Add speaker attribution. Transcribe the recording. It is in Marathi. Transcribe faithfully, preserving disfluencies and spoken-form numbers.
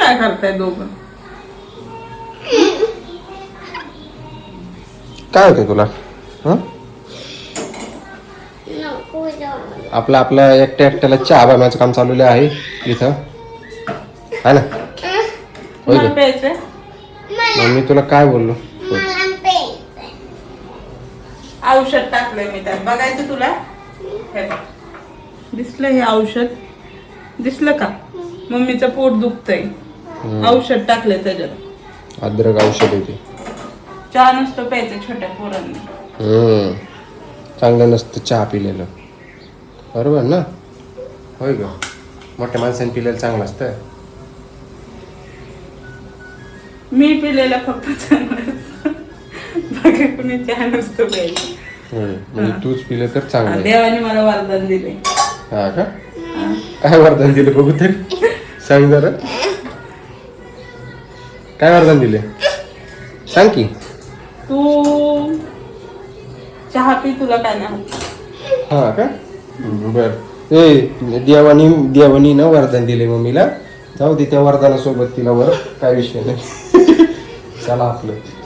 Speaker 1: काय करताय दोघं?
Speaker 2: काय होतंय तुला? हं? आपलं आपलं एकट्या एकट्याला चहा बनवायचं काम चाललेलं आहे इथं, है ना? होय
Speaker 1: तुम्हाला
Speaker 2: गं?
Speaker 1: प्यायचंय?
Speaker 2: मग मी तुला काय बोललो?
Speaker 1: औषध टाकलंय मी त्यात, बघायचं तुला? हे बघ. दिसलं हे औषध? दिसलं का? मम्मीचं पोट दुखतंय, औषध टाकलंय त्याच्यात.
Speaker 2: अद्रक औषध आहे ते.
Speaker 1: चहा नुसतं प्यायचं छोट्या पोरांनी.
Speaker 2: हम्म चांगलं नसतं चहा पिलेलं, बरोबर ना? होय ग, मोठ्या माणसाने पिलेलं चांगलं असतं.
Speaker 1: मी पिलेलं फक्त चांगलं असतं. बाकी कुणी चहा नुसतं प्यायचं.
Speaker 2: होय, म्हणजे तूच पिलं तर चांगलं आहे.
Speaker 1: देवाने मला वरदान दिले.
Speaker 2: हा का? काय वरदान दिलं बघू तरी, सांग जरा. काय वरदान दिले सांग की.
Speaker 1: तू चहा पी, तुला काय नाही होत.
Speaker 2: हा का? बर. ए देवानी देवानी ना वरदान दिले मम्मीला, जाऊ दे त्या वरदानासोबत तिला वर काय विषय नाही. चला आपलं